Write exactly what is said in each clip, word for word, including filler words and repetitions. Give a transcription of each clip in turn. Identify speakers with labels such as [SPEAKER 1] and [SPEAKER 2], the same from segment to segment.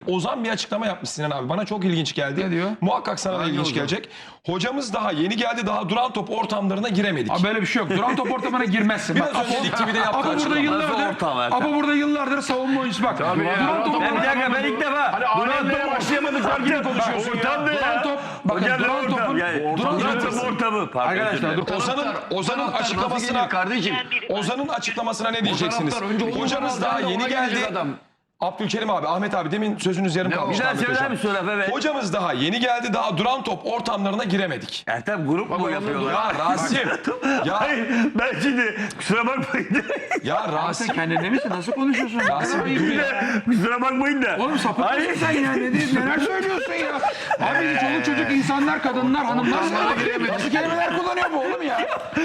[SPEAKER 1] Ozan bir açıklama yapmış Sinan abi. Bana çok ilginç geldi.
[SPEAKER 2] Ne diyor?
[SPEAKER 1] Muhakkak sana da ilginç
[SPEAKER 2] Ozan?
[SPEAKER 1] gelecek. Hocamız daha yeni geldi. Daha duran top ortamlarına giremedik.
[SPEAKER 2] Abi böyle bir şey yok. Duran top ortamına girmezsin.
[SPEAKER 1] Biraz
[SPEAKER 2] Bak,
[SPEAKER 1] önce
[SPEAKER 2] Apo-
[SPEAKER 1] Lig T V'de yaptığı
[SPEAKER 2] Apo burada
[SPEAKER 1] açıklama.
[SPEAKER 2] yıllardır,
[SPEAKER 3] Ortam Ertem.
[SPEAKER 2] Apo burada yıllardır savunma oyuncusu bak.
[SPEAKER 4] Tabii ya.
[SPEAKER 2] Duran top
[SPEAKER 3] Ben bir dakika ben ilk defa.
[SPEAKER 4] Hani alemlere başlayamadıklar gibi konuşuyorsun
[SPEAKER 3] Ortam ne
[SPEAKER 4] ya.
[SPEAKER 2] Duran
[SPEAKER 3] ya?
[SPEAKER 2] top, bakın
[SPEAKER 3] Hocam ne
[SPEAKER 2] duran
[SPEAKER 3] ortam?
[SPEAKER 2] topun,
[SPEAKER 3] Yani,
[SPEAKER 2] duran
[SPEAKER 3] Duran
[SPEAKER 2] topun-
[SPEAKER 3] top ortamı. Pardon,
[SPEAKER 2] Arkadaşlar dur.
[SPEAKER 1] Ozan'ın Ozan'ın açıklamasına
[SPEAKER 4] kardeşim.
[SPEAKER 1] Ozan'ın açıklamasına ne diyeceksiniz?
[SPEAKER 4] taraftar önce onu
[SPEAKER 1] Hocamız daha
[SPEAKER 4] ona
[SPEAKER 1] yeni
[SPEAKER 4] gelecek
[SPEAKER 1] geldi.
[SPEAKER 4] adam.
[SPEAKER 1] Abdülkerim abi, Ahmet abi demin sözünüz yarım
[SPEAKER 4] Ne
[SPEAKER 1] kalmış.
[SPEAKER 3] Bir daha
[SPEAKER 1] Ahmet
[SPEAKER 3] söyler
[SPEAKER 1] Hocam.
[SPEAKER 3] misin Efe Bey?
[SPEAKER 1] Hocamız daha yeni geldi. Daha duran top ortamlarına giremedik.
[SPEAKER 3] Ertem grup mu yapıyorlar?
[SPEAKER 1] Ya Rasim. ya
[SPEAKER 3] Hayır ben şimdi kusura bakmayın.
[SPEAKER 1] ya
[SPEAKER 2] Sen
[SPEAKER 1] Rasim.
[SPEAKER 2] kendinde misin? Nasıl konuşuyorsun?
[SPEAKER 1] Rasim bir dur ya.
[SPEAKER 3] kusura bakmayın da.
[SPEAKER 2] Oğlum sapık
[SPEAKER 3] Hayır.
[SPEAKER 2] mısın sen ya? Ne, diyorsun? Neler söylüyorsun ya? Abi çoluk çocuk insanlar, kadınlar, hanımlar nasıl kelimeler kullanıyor bu oğlum ya?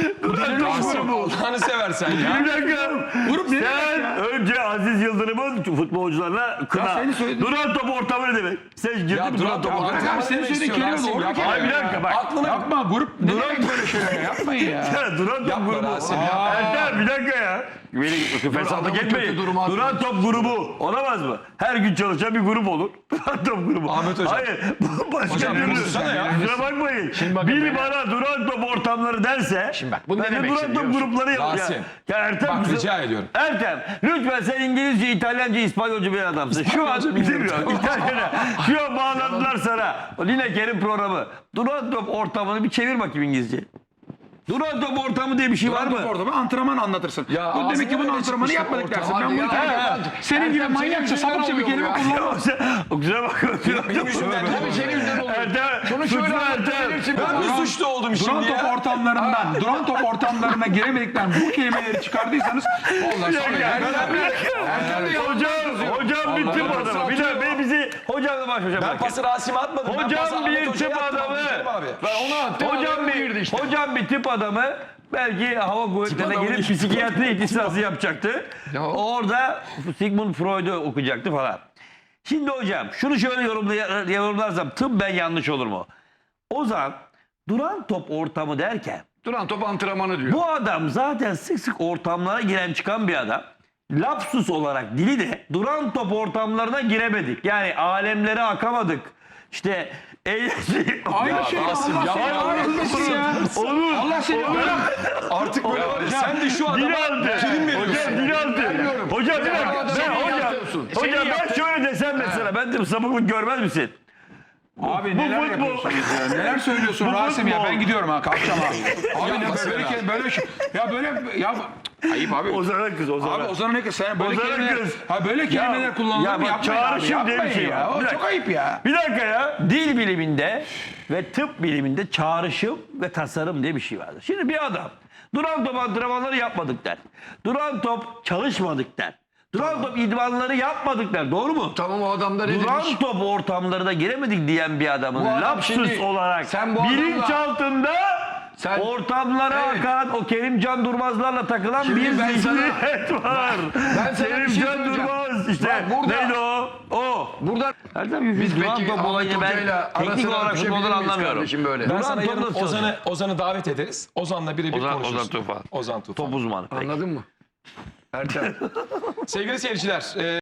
[SPEAKER 1] Rasim Allah'ını seversen ya.
[SPEAKER 3] Bir dakika.
[SPEAKER 2] Grup ne demek
[SPEAKER 3] Sen
[SPEAKER 2] ya?
[SPEAKER 3] önce Aziz Yıldırım'ın futbolcularına kına.
[SPEAKER 2] senin söylediğin-
[SPEAKER 3] Duran top ortamı ne demek? Sen girdin
[SPEAKER 1] Ya
[SPEAKER 3] mi
[SPEAKER 1] duran
[SPEAKER 3] duran top
[SPEAKER 1] top
[SPEAKER 3] ortamı?
[SPEAKER 2] Bırak abi senin söylediğin kelime doğru bir kelime.
[SPEAKER 3] Hayır bir dakika bak.
[SPEAKER 1] Aklına
[SPEAKER 2] Yapma grup ne demek böyle şeyler yapmayın ya.
[SPEAKER 3] Ya duran top
[SPEAKER 1] Yapma
[SPEAKER 3] grubu.
[SPEAKER 1] Rasim ya.
[SPEAKER 3] Ertem bir dakika ya. Beni fesatlık
[SPEAKER 4] adamın
[SPEAKER 3] etmeyin.
[SPEAKER 4] kötü durumu
[SPEAKER 3] Duran top grubu olamaz mı? Her gün çalışan bir grup olur. Duran top grubu.
[SPEAKER 1] Ahmet Hocam.
[SPEAKER 3] Hayır. Bu başka
[SPEAKER 1] Hocam,
[SPEAKER 3] türlü.
[SPEAKER 1] konuşsana ya.
[SPEAKER 3] Kusura bakmayın.
[SPEAKER 4] bakın
[SPEAKER 3] Biri
[SPEAKER 4] beyler.
[SPEAKER 3] bana duran top ortamları derse.
[SPEAKER 4] Şimdi bak, bu ne
[SPEAKER 3] ben de
[SPEAKER 4] demek
[SPEAKER 3] duran
[SPEAKER 4] şimdi
[SPEAKER 3] top
[SPEAKER 4] biliyor musun?
[SPEAKER 3] grupları yapacağım.
[SPEAKER 1] Rasim.
[SPEAKER 3] Ya Ertem.
[SPEAKER 1] Bak,
[SPEAKER 3] kusura-
[SPEAKER 1] rica ediyorum.
[SPEAKER 3] Ertem lütfen sen İngilizce, İtalyanca, İspanyolca bir adamsın. Şu an bilmiyorum. İtalyanca. Şu an bağladılar sana. O Lineker'in programı. Duran top ortamını bir çevir bakayım İngilizce. Duran top ortamı diye bir şey var mı?
[SPEAKER 2] Orada bir antrenman anlatırsın.
[SPEAKER 1] Ya
[SPEAKER 2] Bu demek ki
[SPEAKER 1] ağzından
[SPEAKER 2] bunun
[SPEAKER 1] öyle
[SPEAKER 2] antrenmanı
[SPEAKER 1] çıkmış
[SPEAKER 2] yapmadık
[SPEAKER 1] ortam.
[SPEAKER 2] dersin.
[SPEAKER 4] Hadi
[SPEAKER 2] Ben bunu
[SPEAKER 4] ya,
[SPEAKER 2] terk
[SPEAKER 4] ya.
[SPEAKER 2] ederim. Senin gibi
[SPEAKER 4] Ertem,
[SPEAKER 2] manyakça
[SPEAKER 4] senin
[SPEAKER 2] sapıkça bir
[SPEAKER 4] yüzünden
[SPEAKER 2] kelime
[SPEAKER 4] oluyor ya.
[SPEAKER 2] kullanma.
[SPEAKER 3] Kusura bakma.
[SPEAKER 1] Benim yüzümden değil.
[SPEAKER 4] Tabii senin yüzünden oluyor.
[SPEAKER 3] Ertem.
[SPEAKER 4] Şunu
[SPEAKER 3] suçlu
[SPEAKER 4] şöyle
[SPEAKER 3] Ertem.
[SPEAKER 4] anlatabilirsin.
[SPEAKER 1] Ben mi suçlu oldum
[SPEAKER 2] Duran
[SPEAKER 1] şimdi
[SPEAKER 2] top
[SPEAKER 1] ya?
[SPEAKER 2] ortamlarından, duran top ortamlarına giremedikten bu kelimeleri çıkardıysanız ondan
[SPEAKER 3] Bir
[SPEAKER 2] sonra
[SPEAKER 3] dakika,
[SPEAKER 2] yani
[SPEAKER 3] bir dakika. Hocam, hocam bir tıp adamı. Bir dakika ben bizi hocamla baş başa
[SPEAKER 1] Ben
[SPEAKER 3] bırakın.
[SPEAKER 1] pası Rasim'e atmadım. Ben pası
[SPEAKER 3] Hocam
[SPEAKER 1] Ahmet
[SPEAKER 3] bir
[SPEAKER 1] Hoca'ya
[SPEAKER 3] tıp
[SPEAKER 1] attım,
[SPEAKER 3] adamı.
[SPEAKER 1] Abdülkerim abi.
[SPEAKER 4] Ben onu attım.
[SPEAKER 3] Hocam
[SPEAKER 4] adamı girdi
[SPEAKER 3] bir,
[SPEAKER 4] işte.
[SPEAKER 3] hocam bir tıp adamı belki hava kuvvetlerine
[SPEAKER 1] adamı
[SPEAKER 3] girip
[SPEAKER 1] değil.
[SPEAKER 3] psikiyatri ihtisası yapacaktı.
[SPEAKER 4] Ya.
[SPEAKER 3] Orada Sigmund Freud'u okuyacaktı falan. Şimdi hocam şunu şöyle yorumlay- yorumlarsam tıbben yanlış olur mu? Ozan duran top ortamı derken
[SPEAKER 4] Duran top antrenmanı diyor.
[SPEAKER 3] bu adam zaten sık sık ortamlara giren çıkan bir adam. Lapsus olarak dili de duran top ortamlarına giremedik. Yani alemlere akamadık. İşte eğlence...
[SPEAKER 2] aynı şey
[SPEAKER 1] Rasim,
[SPEAKER 2] Allah
[SPEAKER 1] yapma.
[SPEAKER 2] seni öğretmesin ya.
[SPEAKER 3] Olur.
[SPEAKER 2] Allah seni öğretmesin.
[SPEAKER 1] Artık böyle var ya. Sen de şu adama
[SPEAKER 3] Dinaltı.
[SPEAKER 1] prim veriyorsun.
[SPEAKER 3] Hocam dinaltı. Hocam bir dakika. Ben
[SPEAKER 4] Seni
[SPEAKER 3] hocam.
[SPEAKER 4] yapıyorsun.
[SPEAKER 3] Hocam ben şöyle desem mesela. Ben de sapıklık görmez misin?
[SPEAKER 2] Abi neler
[SPEAKER 3] futbol-
[SPEAKER 2] yapıyorsunuz ya? Neler söylüyorsun
[SPEAKER 3] Bu
[SPEAKER 2] Rasim ya?
[SPEAKER 3] futbol.
[SPEAKER 2] Ben gidiyorum ha. Kalkacağım ha. Abi ne
[SPEAKER 1] Yapmasın
[SPEAKER 2] böyle
[SPEAKER 1] ya.
[SPEAKER 2] böyle, böyle şey. Ya böyle ya ayıp abi.
[SPEAKER 3] Ozan'a kız Ozan'a.
[SPEAKER 2] Abi Ozan'a ne kız? Sen böyle
[SPEAKER 3] Ozan'a
[SPEAKER 2] kelimeler,
[SPEAKER 3] kız.
[SPEAKER 2] ha böyle kelimeler kullanılır
[SPEAKER 3] ya
[SPEAKER 2] mı?
[SPEAKER 3] bak,
[SPEAKER 2] Yapmayın abi.
[SPEAKER 3] çağrışım diye bir
[SPEAKER 2] Yapmayın
[SPEAKER 3] şey
[SPEAKER 2] ya.
[SPEAKER 3] var.
[SPEAKER 2] O
[SPEAKER 3] Bir
[SPEAKER 2] çok
[SPEAKER 3] dakika.
[SPEAKER 2] ayıp ya.
[SPEAKER 3] Bir dakika ya. Dil biliminde ve tıp biliminde çağrışım ve tasarım diye bir şey vardır. Şimdi bir adam duran top antrenmanları yapmadık der. Duran top çalışmadık der. Duran top idmanları yapmadık der. Doğru mu?
[SPEAKER 4] Tamam o adam da ne
[SPEAKER 3] Duran
[SPEAKER 4] demiş?
[SPEAKER 3] top ortamlarına giremedik diyen bir adamın
[SPEAKER 4] Bu adam
[SPEAKER 3] lapsus
[SPEAKER 4] şimdi-
[SPEAKER 3] olarak
[SPEAKER 4] sen bu
[SPEAKER 3] bilinçaltında
[SPEAKER 4] Sen-
[SPEAKER 3] ortamlara
[SPEAKER 4] Evet.
[SPEAKER 3] akan o Kerimcan Durmazlarla takılan
[SPEAKER 4] Şimdi
[SPEAKER 3] bir
[SPEAKER 4] ben
[SPEAKER 3] zihniyet var.
[SPEAKER 4] ben sana bir şey
[SPEAKER 3] Kerimcan
[SPEAKER 4] söyleyeceğim.
[SPEAKER 3] Durmaz işte
[SPEAKER 4] Bak burada-
[SPEAKER 3] neydi o? O.
[SPEAKER 4] Burada
[SPEAKER 3] Erdem
[SPEAKER 4] biz
[SPEAKER 3] duran
[SPEAKER 4] peki
[SPEAKER 3] top
[SPEAKER 4] Ahmet
[SPEAKER 3] olayını ben
[SPEAKER 4] Hoca'yla
[SPEAKER 3] teknik
[SPEAKER 4] arasına
[SPEAKER 3] olarak
[SPEAKER 4] düşebilir
[SPEAKER 3] futboldan
[SPEAKER 4] miyiz
[SPEAKER 3] anlamıyorum.
[SPEAKER 4] kardeşim böyle?
[SPEAKER 1] Ben
[SPEAKER 3] Duran
[SPEAKER 1] sana
[SPEAKER 3] top
[SPEAKER 1] yarın
[SPEAKER 3] nasıl
[SPEAKER 1] Ozan'ı
[SPEAKER 3] çalışıyor?
[SPEAKER 1] Ozan'ı davet ederiz. Ozan'la birebir
[SPEAKER 3] Ozan-
[SPEAKER 1] konuşuruz.
[SPEAKER 3] Ozan Tufan.
[SPEAKER 1] Ozan Tufan.
[SPEAKER 3] Top uzmanı. Peki.
[SPEAKER 4] Anladın mı? Ertem.
[SPEAKER 1] Sevgili seyirciler, e,